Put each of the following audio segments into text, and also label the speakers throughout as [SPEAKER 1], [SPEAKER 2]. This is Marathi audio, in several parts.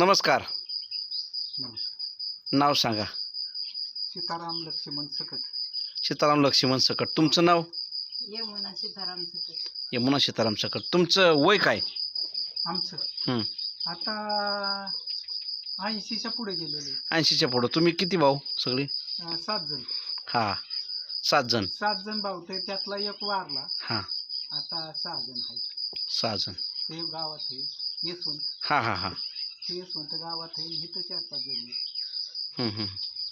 [SPEAKER 1] नमस्कार.
[SPEAKER 2] नमस्कार.
[SPEAKER 1] नाव सांगा.
[SPEAKER 2] सीताराम लक्ष्मण सकट.
[SPEAKER 1] सीताराम लक्ष्मण सकट. तुमचं नाव?
[SPEAKER 3] यमुना सीताराम सकट.
[SPEAKER 1] यमुना सीताराम सकट. तुमचं वय काय?
[SPEAKER 2] आमचं
[SPEAKER 1] हं.
[SPEAKER 2] आता 80च्या पुढे गेलेले.
[SPEAKER 1] 80च्या पुढं. तुम्ही किती भाऊ सगळे?
[SPEAKER 2] 7 जण.
[SPEAKER 1] हां, 7 जण.
[SPEAKER 2] 7 जण भाऊ ते त्यातला एक वारला.
[SPEAKER 1] हां,
[SPEAKER 2] आता 6 जण आहेत.
[SPEAKER 1] 6 जण.
[SPEAKER 2] ते गावात आहे येसवंत.
[SPEAKER 1] हां हां हां.
[SPEAKER 2] ते येसवंत गावात आहे. इथं 4-5 जण आहेत.
[SPEAKER 1] हं हं.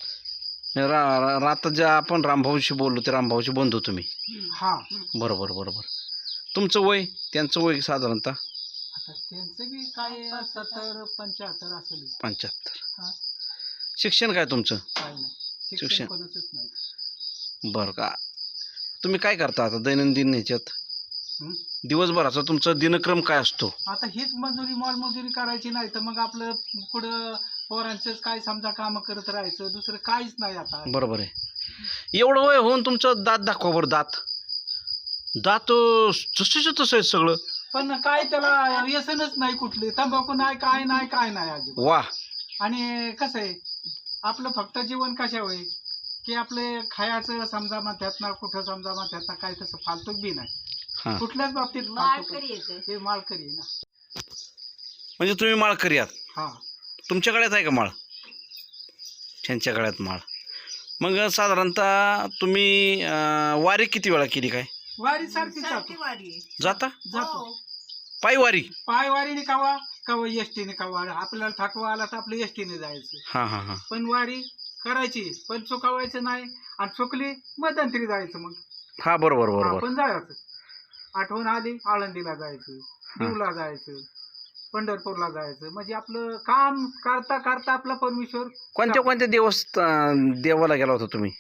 [SPEAKER 1] आता ज्या आपण रामभाऊशी बोललो ते रामभाऊशी बंधू तुम्ही.
[SPEAKER 2] हा.
[SPEAKER 1] बरोबर बरोबर. तुमचं वय, त्यांचं वय साधारणतः?
[SPEAKER 2] आता त्यांचं बी काय 70-75 असेल.
[SPEAKER 1] 75.
[SPEAKER 2] हा.
[SPEAKER 1] शिक्षण काय तुमचं?
[SPEAKER 2] काय नाही
[SPEAKER 1] शिक्षण.
[SPEAKER 2] शिक्षण कोणाचंच नाही.
[SPEAKER 1] बरं का. तुम्ही काय करता आता दैनंदिन ह्याच्यात?
[SPEAKER 2] हं?
[SPEAKER 1] दिवसभराचा तुमचा दिनक्रम काय असतो?
[SPEAKER 2] आता हीच मजुरी मोलमजुरी करायची नाही तर मग आपलं पुढं पोरांचंच काय समजा कामं करत राहायचं, दुसरं काहीच नाही आता.
[SPEAKER 1] बरोबर आहे. एवढं वय होऊन तुमचं दात दाखवा बरं. दात जसेच्या तसं आहे सगळं.
[SPEAKER 2] पण काय त्याला व्यसनच नाही कुठली, तंबाखू नाही, काय नाही अजिबात.
[SPEAKER 1] वा.
[SPEAKER 2] आणि कसं आहे आपलं फक्त जीवन कशा होय की आपले खायचं समजा म्हणतात ना, कुठं समजा म्हणतात ना, काय तसं फालतूक बी नाही
[SPEAKER 1] हां.
[SPEAKER 2] कुठल्याच बाबतीत.
[SPEAKER 3] माळकरी येतं.
[SPEAKER 2] हे माळकरी आहे ना.
[SPEAKER 1] म्हणजे तुम्ही माळकरी आहात.
[SPEAKER 2] हा.
[SPEAKER 1] तुमच्या गळ्यात आहे का माळ? त्यांच्या गळ्यात माळ. मग साधारणतः तुम्ही वारी किती वेळा केली काय?
[SPEAKER 2] वारी सारखी
[SPEAKER 3] सारखी वारी आहे.
[SPEAKER 1] जाता?
[SPEAKER 2] जातो.
[SPEAKER 3] हो.
[SPEAKER 1] पायी वारी?
[SPEAKER 2] पायवारीने कवा कवा एसटीने कवा आपल्याला थकवा आला तर आपलं एसटीने जायचं.
[SPEAKER 1] हां हां हां.
[SPEAKER 2] पण वारी करायची पण चुकावायचं नाही, आणि चुकली मध्यंतरी जायचं. मग
[SPEAKER 1] हां बरोबर बरोबर.
[SPEAKER 2] आपण जायचं. आठवण आली आळंदीला जायचं, देवला जायचं, पंढरपूरला जायचं. म्हणजे आपलं काम करता करता आपला परमेश्वर.
[SPEAKER 1] कोणत्या देवाला गेला होता तुम्ही?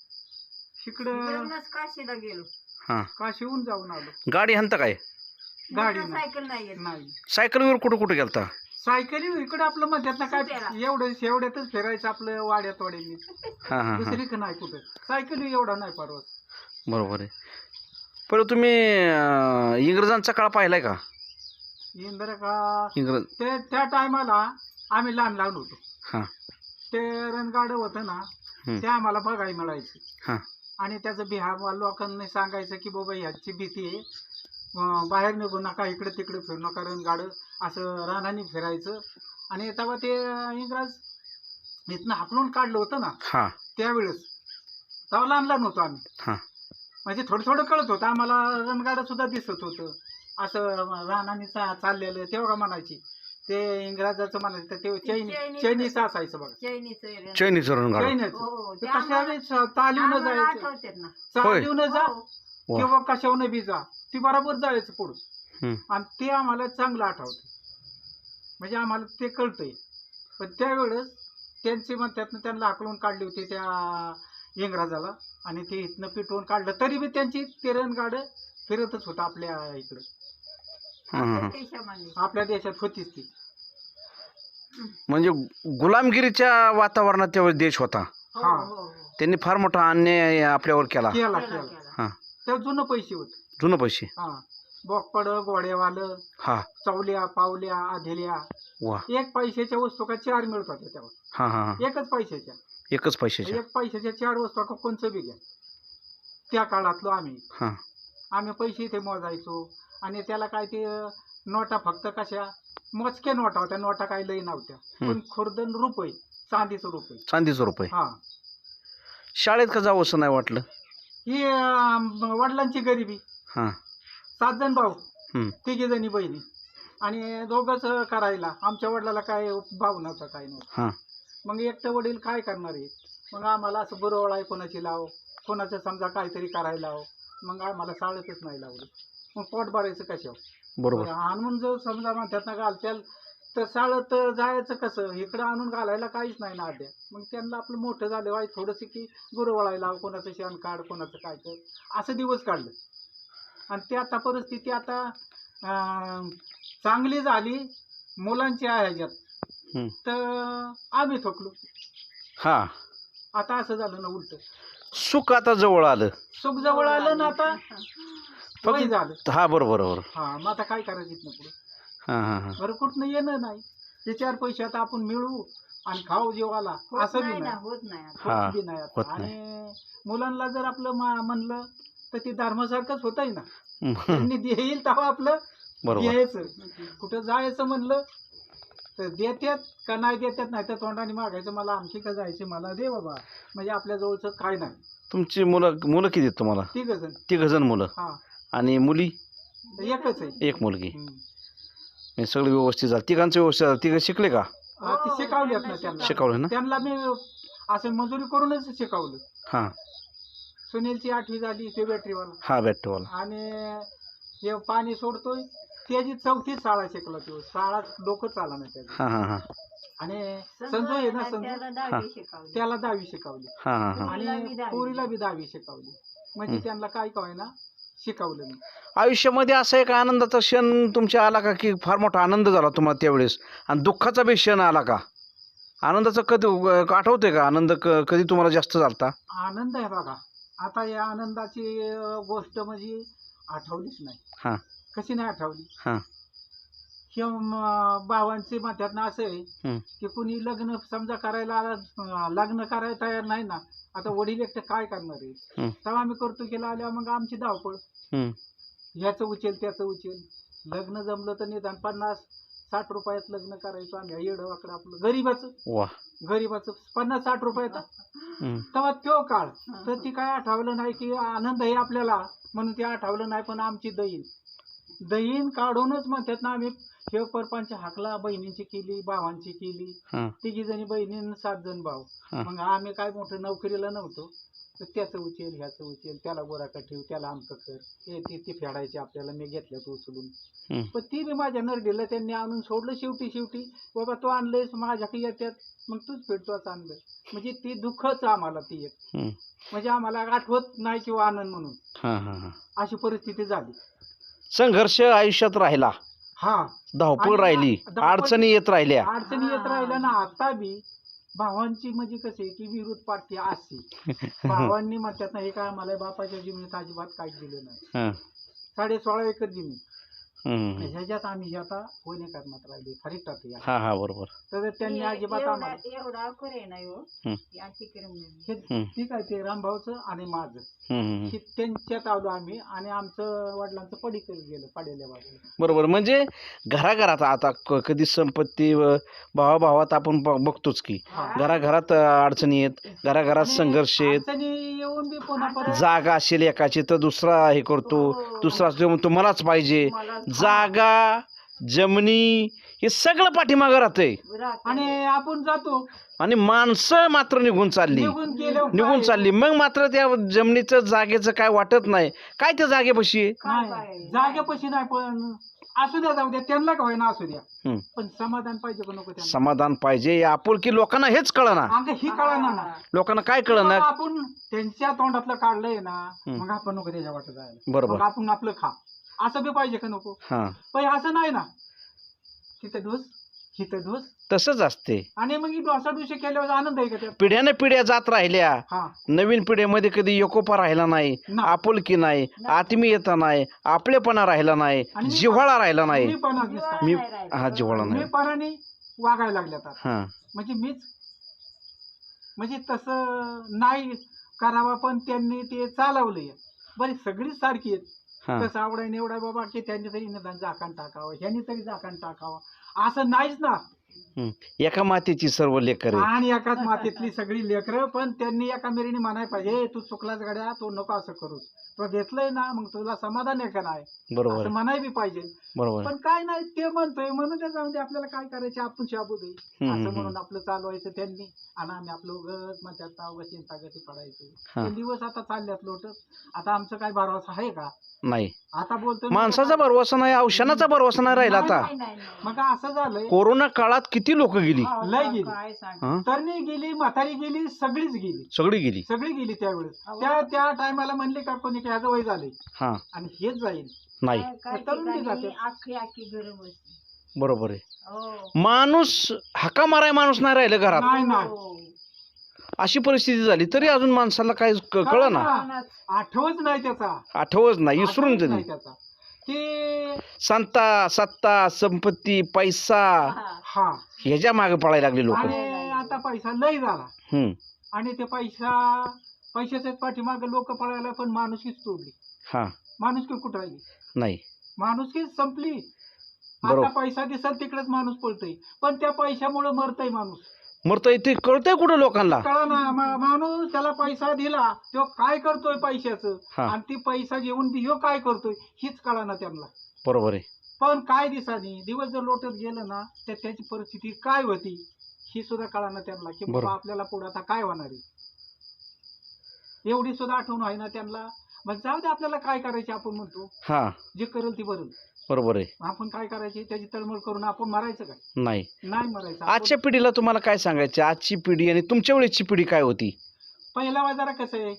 [SPEAKER 2] इकडं
[SPEAKER 3] इकडूनच काशीला गेलो.
[SPEAKER 1] हां.
[SPEAKER 2] काशीहून जाऊन आलो.
[SPEAKER 1] गाडी हंता काय?
[SPEAKER 2] गाडी
[SPEAKER 3] मोटर
[SPEAKER 2] नाही.
[SPEAKER 3] सायकल नाही येत.
[SPEAKER 2] नाही
[SPEAKER 1] सायकलवर कुठं गेलता?
[SPEAKER 2] सायकली इकडं आपलं म्हणतात ना काय
[SPEAKER 3] सुट्याला.
[SPEAKER 2] एवढ्यातच फिरायचं आपलं वाड्यात वाड्याने.
[SPEAKER 1] हां हां हां.
[SPEAKER 2] दुसरी नाही कुठं सायकली एवढा नाही परवा.
[SPEAKER 1] बरोबर आहे. पण तुम्ही इंग्रजांचा काळ पाहिलाय का?
[SPEAKER 2] इंदिरा का
[SPEAKER 1] इंग्रज.
[SPEAKER 2] ते त्या टायमाला आम्ही लहान होतो.
[SPEAKER 1] हां
[SPEAKER 2] ते रणगाडं होतं ना,
[SPEAKER 1] हं.
[SPEAKER 2] ते आम्हाला बघायला मिळायचं.
[SPEAKER 1] हां
[SPEAKER 2] आणि त्याचं बिहार लोकांनी सांगायचं की बाबा ह्याची भीती आहे, बाहेर निघू नका, इकडे तिकडे फिरू नका. रणगाडं असं रानाने फिरायचं. आणि तेव्हा ते इंग्रज इथनं हाकलून काढलं होतं ना
[SPEAKER 1] हां
[SPEAKER 2] त्यावेळेस, तेव्हा लहान होतो आम्ही.
[SPEAKER 1] हां.
[SPEAKER 2] म्हणजे थोडं कळत होतं आम्हाला. रणगाडं सुद्धा दिसत होतं असं रानाने चाललेलं. तेव्हा म्हणायची ते इंग्रजाचं म्हणायचं ते चैनीच असायचं बघा.
[SPEAKER 3] चैनीचं.
[SPEAKER 1] चैनीचं रणगाडं.
[SPEAKER 2] चैनीच
[SPEAKER 3] हो,
[SPEAKER 2] ते
[SPEAKER 3] ते आम्हाला-
[SPEAKER 2] कशाने चालवून
[SPEAKER 3] आम्हाला
[SPEAKER 2] जायचं,
[SPEAKER 3] आठवतात ना.
[SPEAKER 2] चालवून जा
[SPEAKER 1] वा.
[SPEAKER 2] किंवा कशावून बी जा, ती बरोबर जायचं पुढं.
[SPEAKER 1] हं.
[SPEAKER 2] आणि ते आम्हाला चांगलं आठवतं. म्हणजे आम्हाला ते कळतंय. पण त्यावेळेस त्यांचे म्हणतात ना, त्यांना हाकलून काढली होती त्या इंग्रजाला, आणि ते इथनं पिटवून काढलं. तरी बी त्यांची ते रणगाडं फिरतच होतं आपल्या इकडं.
[SPEAKER 1] हां हां हां.
[SPEAKER 3] देशामागे.
[SPEAKER 2] आपल्या देशात होतीच ती.
[SPEAKER 1] म्हणजे गुलामगिरीच्या वातावरणात तेव्हा देश होता.
[SPEAKER 3] हो,
[SPEAKER 2] हा.
[SPEAKER 3] हो, हो.
[SPEAKER 1] त्यांनी फार मोठा अन्याय आपल्यावर केला.
[SPEAKER 2] केला
[SPEAKER 3] केला,
[SPEAKER 2] केला.
[SPEAKER 3] केला.
[SPEAKER 1] हां.
[SPEAKER 2] त्या जुनं पैसे होते.
[SPEAKER 1] जुनं पैसे.
[SPEAKER 2] हा. बोकपड, घोड्यावालं,
[SPEAKER 1] हां.
[SPEAKER 2] चवल्या, पावल्या, आधेल्या.
[SPEAKER 1] वा.
[SPEAKER 2] 1 पैशाच्या वस्तू का 4 मिळत होत्या तेव्हा.
[SPEAKER 1] हां हां हां.
[SPEAKER 2] एकच पैशाच्या.
[SPEAKER 1] एकच पैशाच्या.
[SPEAKER 2] 1 पैशाच्या 4 वस्तू का कोणचं बी घ्या. त्या काळातलो
[SPEAKER 1] हां.
[SPEAKER 2] आम्ही पैसे इथे मोजायचो. आणि त्याला काय ते नोटा फक्त कशा मोजक्या नोटा होत्या. नोटा काही लई नव्हत्या. पण खुर्दन रुपये, चांदीचं रुपये.
[SPEAKER 1] चांदीचं रुपये.
[SPEAKER 2] हा.
[SPEAKER 1] शाळेत का जावं असं नाही वाटलं?
[SPEAKER 2] ही वडिलांची गरिबी.
[SPEAKER 1] हां.
[SPEAKER 2] 7 जण भाऊ,
[SPEAKER 1] हं.
[SPEAKER 2] 3 जणी बहिणी, आणि दोघंच करायला. आमच्या वडिलाला काय भाऊ नव्हता, काय नव्हतं.
[SPEAKER 1] हां.
[SPEAKER 2] मग एकटं वडील काय करणार आहे. मग आम्हाला असं बुरवळाय कोणाची लाव, कोणाचं समजा काहीतरी करायला लाव. मग आम्हाला शाळेतच नाही लावलं. मग पोट भरायचं कशावर.
[SPEAKER 1] बरोबर.
[SPEAKER 2] आणून जर समजा म्हणतात ना घालत्याल तर शाळेत जायचं कसं. इकडं आणून घालायला काहीच नाही ना अद्या. मग त्यांना आपलं मोठं झालं वाय थोडंसं की गुरवळायला लाव, कोणाचं शेण काढ, कोणाचं काय कर, असं दिवस काढलं. आणि ते आता परिस्थिती आता चांगली झाली मुलांची आहे ह्याच्यात.
[SPEAKER 1] हं.
[SPEAKER 2] तर आम्ही थकलो.
[SPEAKER 1] हां.
[SPEAKER 2] आता असं झालं ना उलट.
[SPEAKER 1] सुख आता जवळ आलं.
[SPEAKER 2] सुख जवळ आलं ना, आता वय झालं.
[SPEAKER 1] हां बरोबर बरोबर.
[SPEAKER 2] हा. मग आता काय करायचं इथनं पुढे.
[SPEAKER 1] हां हां हां.
[SPEAKER 2] बरं कुठनं येणं नाही. ते 4 पैसे आता आपण मिळवू आणि खाऊ जीवाला
[SPEAKER 3] होत
[SPEAKER 2] असं बी
[SPEAKER 3] नाही ना,
[SPEAKER 2] नाही.
[SPEAKER 3] होत नाही आता.
[SPEAKER 1] हा,
[SPEAKER 2] होत बी नाही
[SPEAKER 1] होत
[SPEAKER 2] आता.
[SPEAKER 1] नाही.
[SPEAKER 2] आणि मुलांना जर आपलं म्हणलं तर ते धर्मासारखंच होत आहे ना. त्यांनी देईल तेव्हा आपलं
[SPEAKER 1] बरोबर.
[SPEAKER 2] द्यायचं. कुठं जायचं म्हणलं तर देतात का नाही देतात, नाही तर तोंडाने मागायचं मला आमची का जायची, मला दे बाबा. म्हणजे आपल्या जवळचं काय नाही.
[SPEAKER 1] तुमची मुलं किती आहेत तुम्हाला?
[SPEAKER 2] 3 जण.
[SPEAKER 1] 3 मुलं
[SPEAKER 2] हा,
[SPEAKER 1] आणि मुली
[SPEAKER 2] एकच आहे.
[SPEAKER 1] 1 मुलगी.
[SPEAKER 2] हम्म.
[SPEAKER 1] हे सगळं व्यवस्थित झालं? 3घांचं व्यवस्थित झालं? 3 शिकले का?
[SPEAKER 2] हा, ते
[SPEAKER 3] हो,
[SPEAKER 2] शिकवल्यात ना
[SPEAKER 3] त्यांना
[SPEAKER 2] त्यांना.
[SPEAKER 1] शिकवलं ना?
[SPEAKER 2] त्यांना मी असं मजुरी करूनच शिकवलं.
[SPEAKER 1] हां
[SPEAKER 2] सुनीलची 8वी झाली, ते बॅटरीवाला.
[SPEAKER 1] हां बॅटरीवाला.
[SPEAKER 2] आणि हे पाणी सोडतोय त्याची 4थी शाळा शिकला तो. शाळा डोकं चाला नाही त्याचं.
[SPEAKER 1] हां हां हां
[SPEAKER 2] आणि
[SPEAKER 3] संजू
[SPEAKER 2] संजू आहे ना,
[SPEAKER 3] आहे ना,
[SPEAKER 2] संजू
[SPEAKER 3] त्याला 10वी शिकवली.
[SPEAKER 2] त्याला 10वी शिकवली
[SPEAKER 1] हां हां हां.
[SPEAKER 3] पोरीला बी
[SPEAKER 2] आणि
[SPEAKER 3] 10वी.
[SPEAKER 2] पोरीला बी 10वी शिकवली. म्हणजे त्यांना काय काय ना शिकवलं मी.
[SPEAKER 1] आयुष्यामध्ये असा एक आनंदाचा क्षण तुमच्या आला का की फार मोठा आनंद झाला तुम्हाला त्यावेळेस, आणि दुःखाचा बी क्षण आला का? आनंदाचं कधी आठवतंय का? आनंद कधी तुम्हाला जास्त झालता?
[SPEAKER 2] आनंद आहे बघा. आता या आनंदाची गोष्ट म्हणजे आठवलीच नाही.
[SPEAKER 1] हां
[SPEAKER 2] कशी नाही आठवली?
[SPEAKER 1] हां
[SPEAKER 2] किंवा भावांचे मध्यातनं असं आहे
[SPEAKER 1] हं.
[SPEAKER 2] की कुणी लग्न समजा करायला लग्न करायला तयार नाही ना, आता वडील एकटं काय करणार आहे.
[SPEAKER 1] हं.
[SPEAKER 2] तेव्हा आम्ही करतो केला आल्यावर मग आमची धावपळ.
[SPEAKER 1] हं.
[SPEAKER 2] ह्याचं उचेल त्याचं उचेल. लग्न जमलं तर निदान 50-60 रुपयात लग्न करायचो आम्ही. येडं वाकडं आपलं
[SPEAKER 1] वा.
[SPEAKER 2] गरीबाचं 50-60 रुपयात.
[SPEAKER 1] हं.
[SPEAKER 2] तेव्हा तो काळ तर ती काय आठवलं नाही की आनंद आहे आपल्याला म्हणून ते आठवलं नाही. पण आमची दहीन काढूनच म्हणतात ना आम्ही हे परपंच हाकला. बहिणींची केली, भावांची केली.
[SPEAKER 1] हां
[SPEAKER 2] 3 जणी बहिणी 7 जण भाऊ.
[SPEAKER 1] हां.
[SPEAKER 2] मग आम्ही काय मोठं नोकरीला नव्हतो. तर त्याचं उचेल ह्याचं उचेल, त्याला गोराका ठेव, त्याला आमचं कर, हे ती फेडायची आपल्याला. मी घेतल्यात उचलून.
[SPEAKER 1] हं.
[SPEAKER 2] पण ती बी माझ्या नरडीला त्यांनी आणून सोडलं. शेवटी बाबा तो आणलंयस माझ्याकडे येतात मग तूच फेडतोच आणलं. म्हणजे ती दुःखच आम्हाला ती एक.
[SPEAKER 1] हं.
[SPEAKER 2] म्हणजे आम्हाला आठवत नाही किंवा आनंद म्हणून
[SPEAKER 1] हां हां हां.
[SPEAKER 2] अशी परिस्थिती झाली.
[SPEAKER 1] संघर्ष आयुष्यात राहिला,
[SPEAKER 2] हा,
[SPEAKER 1] धावपळ
[SPEAKER 2] आणि
[SPEAKER 1] राहिली,
[SPEAKER 2] धावपळ-
[SPEAKER 1] अडचणी येत राहिल्या.
[SPEAKER 2] अडचणी येत राहिल्या ना. आता बी भावांची म्हणजे कसे की विरोध पार्टी असते. भावांनी म्हणतात ना हे काय आम्हाला बापाच्या जमिनीत अजिबात काहीच दिलं नाही.
[SPEAKER 1] हां
[SPEAKER 2] 16.5 एकर जमीन.
[SPEAKER 1] हं.
[SPEAKER 2] ह्याच्यात आम्ही आता होणे करण्यात राहिले फरिटात.
[SPEAKER 1] हां हां बरोबर.
[SPEAKER 2] तर त्यांनी अजिबात आम्हाला
[SPEAKER 3] एवढा करे नाही हो.
[SPEAKER 1] हं.
[SPEAKER 3] या तिकडे
[SPEAKER 2] हे
[SPEAKER 1] हं.
[SPEAKER 2] ठीक आहे. ते रामभाऊचं आणि माझं
[SPEAKER 1] हं, हं, हं.
[SPEAKER 2] हे त्यांच्यात आलो आम्ही. आणि आमचं वडिलांचं पडीकडे गेलं पाडेल्या बाजूला.
[SPEAKER 1] बरोबर. म्हणजे घराघरात आता कधी संपत्ती भावाभावात आपण बघतोच की
[SPEAKER 2] हा.
[SPEAKER 1] घराघरात अडचणी येत, घराघरात
[SPEAKER 2] आणि
[SPEAKER 1] संघर्ष येत.
[SPEAKER 2] अडचणी येऊन बी पुन्हा परत
[SPEAKER 1] जागा असेल एकाची तर दुसरा हे करतो, दुसरा असतो म्हणतो मलाच पाहिजे. जागा, जमिनी हे सगळं पाठीमागं राहतंय,
[SPEAKER 2] आणि आपण जातो
[SPEAKER 1] आणि माणसं मात्र निघून चालली. निघून चालली. मग मात्र त्या जमिनीचं जागेचं काय वाटत नाही. काय त्या जागेपाशी आहे?
[SPEAKER 2] नाही जागेपाशी नाही. पण असू द्या, जाऊ द्या, त्यांना का होईना असू द्या.
[SPEAKER 1] हं.
[SPEAKER 2] पण समाधान पाहिजे का नको त्यांना?
[SPEAKER 1] समाधान पाहिजे. आपुलकी लोकांना हेच कळना.
[SPEAKER 2] अंग ही कळणार ना.
[SPEAKER 1] लोकांना काय
[SPEAKER 2] मग
[SPEAKER 1] कळना.
[SPEAKER 2] आपण त्यांच्या तोंडातलं काढलंय ना.
[SPEAKER 1] हं.
[SPEAKER 2] मग आपण नको त्याच्या वाटत जायला.
[SPEAKER 1] बरोबर.
[SPEAKER 2] मग आपण आपलं खा असं बी पाहिजे का नको?
[SPEAKER 1] हां
[SPEAKER 2] पण असं नाही ना. तिथं ढोस हिथं ढोस.
[SPEAKER 1] तसंच असते.
[SPEAKER 2] आणि मग ही डोसाडोशी केल्यावर आनंद आहे का त्यात?
[SPEAKER 1] पिढ्याने पिढ्या जात राहिल्या.
[SPEAKER 2] हा
[SPEAKER 1] नवीन पिढ्यामध्ये कधी एकोपा राहिला नाही,
[SPEAKER 2] ना.
[SPEAKER 1] आपुलकी नाही, आत्मीयता नाही, आपलेपणा राहिला नाही,
[SPEAKER 2] आणि मी-
[SPEAKER 1] जिव्हाळा राहिला नाही.
[SPEAKER 2] मी पण दिसता.
[SPEAKER 1] मी हा जिव्हाळा
[SPEAKER 2] मी
[SPEAKER 1] नाही.
[SPEAKER 2] पराने वागायला लागल्यात आता.
[SPEAKER 1] हां
[SPEAKER 2] म्हणजे मीच म्हणजे तसं नाही करावं. पण त्यांनी ते चालवलंय. बरी सगळीच सारखी आहेत.
[SPEAKER 1] हां
[SPEAKER 2] तसं आवडाय निवडाय बाबा की त्यांनी तरी निदान झाकण टाकावं, ह्यांनी तरी झाकण टाकावं. असं नाहीच ना.
[SPEAKER 1] हं. एका मातेची सर्व लेकरे.
[SPEAKER 2] आणि एकाच मातीतली सगळी लेकरं. पण त्यांनी एका मेरीने म्हणाय पाहिजे "ए, तू चुकलाच गड्या, तू नको असं करूस, तो घेतलंय ना मग तुला समाधान आहे का नाही"
[SPEAKER 1] बरोबर
[SPEAKER 2] असं म्हणाय बी पाहिजे.
[SPEAKER 1] बरोबर.
[SPEAKER 2] पण काय नाही ते म्हणतोय म्हणून त्याच्यामध्ये आपल्याला काय करायचे आपण शाबूद आहे
[SPEAKER 1] हम्म,
[SPEAKER 2] असं
[SPEAKER 1] हम्म.
[SPEAKER 2] म्हणून आपलं चालवायचं त्यांनी. आणि आम्ही आपलं उगत मग त्यात अवघ चिंतागती पडायचं.
[SPEAKER 1] हा.
[SPEAKER 2] ते दिवस आता चालल्यात लोटत. आता आमचं काय भरवसा आहे का?
[SPEAKER 1] नाही.
[SPEAKER 2] आता बोलतोय
[SPEAKER 1] माणसाचा भरवसा नाही, औषधाचा भरवसा नाही राहिला आता.
[SPEAKER 2] मग असं झालंय.
[SPEAKER 1] कोरोना काळात किती लोक गेली.
[SPEAKER 2] लय गेली.
[SPEAKER 3] काय सांग.
[SPEAKER 1] हां
[SPEAKER 2] तरणी गेली, म्हातारी गेली, सगळीच गेली.
[SPEAKER 1] सगळी गेली.
[SPEAKER 2] सगळी गेली त्यावेळेस. त्या टायमाला म्हणले का कोणी ह्याचं वय झाले
[SPEAKER 1] हां
[SPEAKER 2] आणि हेच जाईल.
[SPEAKER 1] नाही.
[SPEAKER 3] काही
[SPEAKER 2] तरुण बी
[SPEAKER 3] ठिकाणी
[SPEAKER 2] जाते.
[SPEAKER 3] आखी गरम असते.
[SPEAKER 1] बरोबर आहे.
[SPEAKER 3] हो.
[SPEAKER 1] माणूस हाका माराय माणूस नाही राहिलं घरात.
[SPEAKER 2] नाही नाही
[SPEAKER 3] हो.
[SPEAKER 1] अशी परिस्थिती झाली तरी अजून माणसाला काय कळलं ना.
[SPEAKER 2] कळलं. आठवच नाही त्याचा.
[SPEAKER 1] आठवच नाही, विसरून
[SPEAKER 2] आठवच
[SPEAKER 1] झाली.
[SPEAKER 2] नाही त्याचा की
[SPEAKER 1] सत्ता, संपत्ती, पैसा,
[SPEAKER 3] हा.
[SPEAKER 2] हा
[SPEAKER 1] ह्याच्या मागे पळायला लागले लोक.
[SPEAKER 2] आणि आता पैसा लय झाला आणि ते पैशाच्याच पाठीमागे लोक पळायला, पण माणुसकीच तोडली.
[SPEAKER 1] हा
[SPEAKER 2] माणुसकी कुठं राहिली?
[SPEAKER 1] नाही
[SPEAKER 2] माणुसकीच संपली.
[SPEAKER 1] बरोबर.
[SPEAKER 2] आता पैसा दिसल तिकडेच माणूस पळतोय, पण त्या पैशामुळे मरतय माणूस.
[SPEAKER 1] मरतंय ते कळतंय कुठं लोकांना.
[SPEAKER 2] कळा ना, माणूस त्याला पैसा दिला, तो काय करतोय पैशाचं,
[SPEAKER 1] हा.
[SPEAKER 2] आणि ती पैसा घेऊन ह्यो काय करतोय हीच कळा ना त्यांना.
[SPEAKER 1] बरोबर आहे.
[SPEAKER 2] पण काय दिसानी दिवस जर लोटत गेलं ना, तर त्याची परिस्थिती काय होती ही सुद्धा कळा ना त्यांना, की
[SPEAKER 1] बरोबर.
[SPEAKER 2] बाबा आपल्याला पुढे आता काय होणार आहे एवढी सुद्धा आठवण आहे ना त्यांना. मग जाऊ दे, आपल्याला काय करायचे आपण म्हणतो,
[SPEAKER 1] हा
[SPEAKER 2] जे करेल ती बरं.
[SPEAKER 1] बरोबर आहे.
[SPEAKER 2] आपण काय करायचे, त्याची तळमळ करून आपण मरायचं काय?
[SPEAKER 1] नाही.
[SPEAKER 2] नाही मरायचं. आपण-
[SPEAKER 1] आजच्या पिढीला तुम्हाला काय सांगायचं, आजची पिढी आणि तुमच्या वेळेची पिढी काय होती?
[SPEAKER 2] पहिला बाजारा कसं आहे,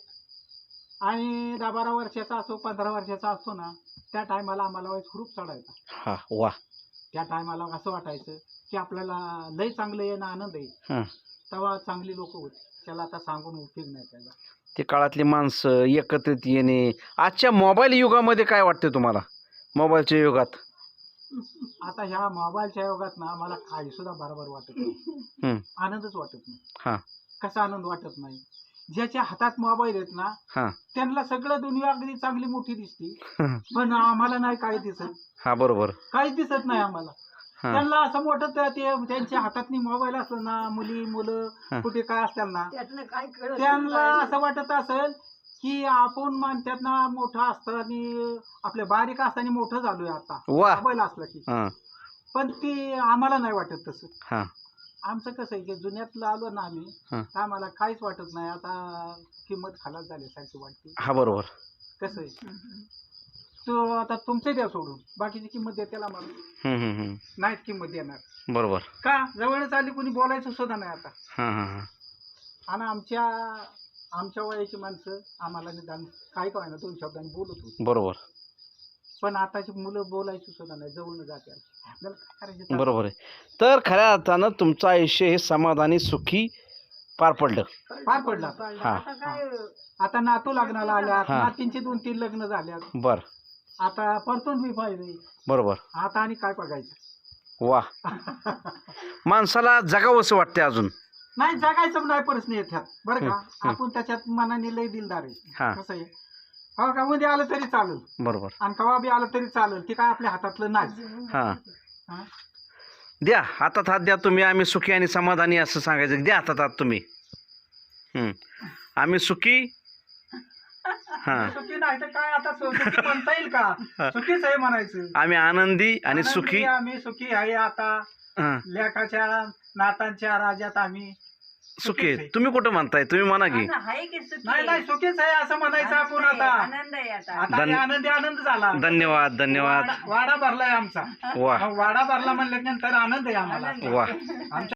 [SPEAKER 2] आणि 10-12 वर्षाचा असो 15 वर्षाचा असतो ना, त्या टायमाला आम्हाला वयस खूप चढायचा.
[SPEAKER 1] हा वा.
[SPEAKER 2] त्या टायमाला असं वाटायचं की आपल्याला लय चांगलं आहे ना, आनंद आहे.
[SPEAKER 1] हा.
[SPEAKER 2] तेव्हा चांगली लोक होती, त्याला आता सांगून उपयोग नाही त्याला.
[SPEAKER 1] ते काळातली माणसं एकत्रित येणे. आजच्या मोबाईल युगामध्ये काय वाटतं तुम्हाला, मोबाईलच्या युगात?
[SPEAKER 2] आता ह्या मोबाईलच्या युगात ना मला काही सुद्धा बरोबर वाटत नाही, आनंदच वाटत नाही.
[SPEAKER 1] हा.
[SPEAKER 2] कसा आनंद वाटत नाही? ज्याच्या हातात मोबाईल आहेत ना,
[SPEAKER 1] हा.
[SPEAKER 2] त्यांना सगळं दुनिया अगदी चांगली मोठी दिसती, पण आम्हाला नाही काय दिसत.
[SPEAKER 1] हा बरोबर.
[SPEAKER 2] काहीच दिसत नाही आम्हाला.
[SPEAKER 1] हा.
[SPEAKER 2] त्यांना असं मोठं ते त्यांच्या हातात मोबाईल असलो ना, मुलं कुठे काय असतात ना,
[SPEAKER 3] त्यातनं काय कळत
[SPEAKER 2] त्यांना असं वाटत असेल की आपण म्हणतात ना मोठं असताना, आपल्या बारीक असताना मोठं झालोय आता
[SPEAKER 1] वा.
[SPEAKER 2] मोबाईल असला की.
[SPEAKER 1] हा.
[SPEAKER 2] पण ती आम्हाला नाही वाटत तसं.
[SPEAKER 1] हा.
[SPEAKER 2] आमचं कसं आहे की जुन्यातलं आलो ना आम्ही,
[SPEAKER 1] हा.
[SPEAKER 2] तर आम्हाला काहीच वाटत नाही. आता किंमत खालाच झाल्यासारखी वाटते.
[SPEAKER 1] हा बरोबर.
[SPEAKER 2] कसं आहे, तो आता तुमचे द्या सोडून बाकीची किंमत द्या त्याला मला नाहीत किंमत देणार.
[SPEAKER 1] बरोबर.
[SPEAKER 2] का जवळच आली कोणी बोलायचं सुद्धा नाही आता.
[SPEAKER 1] हा हा हा.
[SPEAKER 2] आणि आमच्या वयाची माणसं आम्हाला निदान काय काय ना 2 शब्दांनी बोलत होती.
[SPEAKER 1] बरोबर.
[SPEAKER 2] पण आताची मुलं बोलायची सुद्धा नाही, जवळ जाते. आपल्याला काय करायचं?
[SPEAKER 1] बरोबर आहे. तर खऱ्या अर्थानं तुमचं आयुष्य हे समाधानी सुखी पार पडलं.
[SPEAKER 2] पार पडला.
[SPEAKER 1] हा.
[SPEAKER 3] आता काय
[SPEAKER 2] आता नातू लग्नाला आल्यात,
[SPEAKER 1] हा.
[SPEAKER 2] नातींची 2-3 लग्न झाल्यात.
[SPEAKER 1] बर.
[SPEAKER 2] आता परतून बी पाहिजे.
[SPEAKER 1] बरोबर.
[SPEAKER 2] आता आणि काय बघायचं?
[SPEAKER 1] वा. माणसाला जगावंसं वाटते अजून.
[SPEAKER 2] नाही जगायचं नाही प्रश्न येतात बरं का. आपण त्याच्यात मनाने लय दिलदार
[SPEAKER 1] हा.
[SPEAKER 2] आहे. कसं आहे, हो का, मध्ये आलं तरी चालेल
[SPEAKER 1] बरोबर.
[SPEAKER 2] आणि कवा बी आलं तरी चालेल, ते काय आपल्या हातातलं नाही.
[SPEAKER 1] हा.
[SPEAKER 2] हा?
[SPEAKER 1] द्या हातात हात द्या तुम्ही, आम्ही सुखी आणि समाधानी असं सांगायचं. द्या हातात हात तुम्ही. आम्ही सुखी. हा.
[SPEAKER 2] सुखी नाही तर काय, आता सुखी म्हणता येईल का? सुखीच आहे म्हणायचं.
[SPEAKER 1] आम्ही आनंदी आणि
[SPEAKER 2] आनंदी,
[SPEAKER 1] सुखी.
[SPEAKER 2] आम्ही सुखी आहे. आता
[SPEAKER 1] हा.
[SPEAKER 2] लेखाच्या नातांच्या राज्यात आम्ही
[SPEAKER 1] सुखी आहे. तुम्ही कुठं म्हणताय, तुम्ही म्हणा की.
[SPEAKER 3] आहे की सुखी
[SPEAKER 2] नाही नाही सुखीच आहे असं म्हणायचं आपण. आता
[SPEAKER 3] आनंद आहे आता.
[SPEAKER 2] आता हे आनंद झाला.
[SPEAKER 1] धन्यवाद धन्यवाद.
[SPEAKER 2] वाडा भरलाय आमचा.
[SPEAKER 1] वा
[SPEAKER 2] वाडा भरला म्हणल्यानंतर आनंद आहे आम्हाला.
[SPEAKER 1] वा.
[SPEAKER 2] आमच्या